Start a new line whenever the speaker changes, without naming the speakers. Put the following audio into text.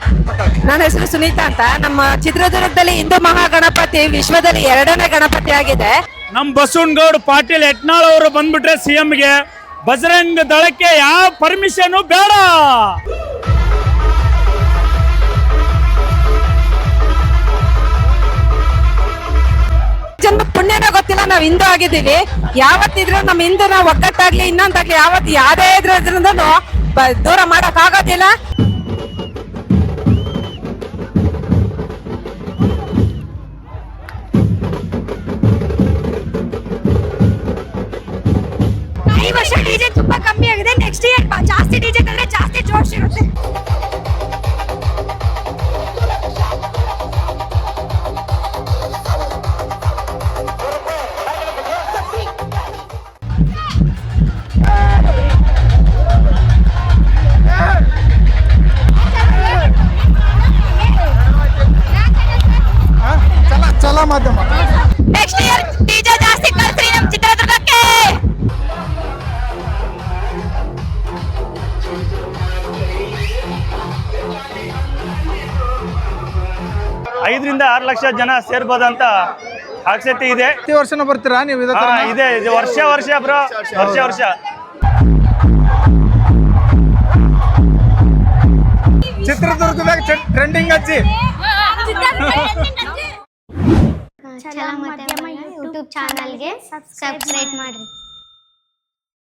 ನನ್ನ ಹೆಸರು ಸುನೀತಾ ಅಂತ. ನಮ್ಮ ಚಿತ್ರದುರ್ಗದಲ್ಲಿ ಹಿಂದೂ ಮಹಾಗಣಪತಿ ವಿಶ್ವದಲ್ಲಿ 2ನೇ ಗಣಪತಿ ಆಗಿದೆ.
ನಮ್ಮ ಬಸವನಗೌಡ ಪಾಟೀಲ್ ಯತ್ನಾಳ್ ಅವರು ಬಂದ್ಬಿಟ್ರೆ ಸಿಎಂಗೆ ಬಜರಂಗ ದಳಕ್ಕೆ ಯಾವ ಪರ್ಮಿಷನ್ ಬೇಡ.
ಜನ್ಮ ಪುಣ್ಯನ ಗೊತ್ತಿಲ್ಲ, ನಾವ್ ಹಿಂದೂ ಆಗಿದ್ದೀವಿ. ಯಾವತ್ತಿದ್ರು ನಮ್ಮ ಹಿಂದೂ ನಾವು ಒಗ್ಗಟ್ಟಾಗ್ಲಿ ಇನ್ನೊಂದಾಗ್ಲಿ ಯಾವತ್ತು ಯಾವ್ದೇ ಇದ್ರಿಂದ ದೂರ ಮಾಡಕ್ ಆಗೋದಿಲ್ಲ.
ಈ ವರ್ಷ ಡಿಜೆ ತುಂಬಾ ಕಮ್ಮಿ ಆಗಿದೆ. ನೆಕ್ಸ್ಟ್ ಇಯರ್ ಜಾಸ್ತಿ ಡಿಜೆ ತಂದ್ರೆ ಜಾಸ್ತಿ ಜೋಶ್ ಇರುತ್ತೆ.
ಚಲ ಮಾಧ್ಯಮ
ನೆಕ್ಸ್ಟ್ ಇಯರ್ ಡಿಜೆ ಜಾಸ್ತಿ ಕಳ್ಸ್ರಿ ನಮ್ಮ ಚಿತ್ರದುರ್ಗಕ್ಕೆ.
5 ರಿಂದ 6 ಲಕ್ಷ ಜನ ಸೇರ್ಬೋದಂತ ಆಸಕ್ತಿ ಇದೆ.
ಪ್ರತಿ ವರ್ಷನೂ ಬರ್ತೀರಾ ನೀವು?
ಇದೆ ವರ್ಷ ಬ್ರೋ, ವರ್ಷ
ಚಿತ್ರದುರ್ಗದಾಗ ಟ್ರೆಂಡಿಂಗ್ ಹಚ್ಚಿ
ಛಲ ಮಾಧ್ಯಮ ಯೂಟ್ಯೂಬ್ ಚಾನಲ್ಗೆ ಸಬ್ಸ್ಕ್ರೈಬ್ ಮಾಡ್ರಿ.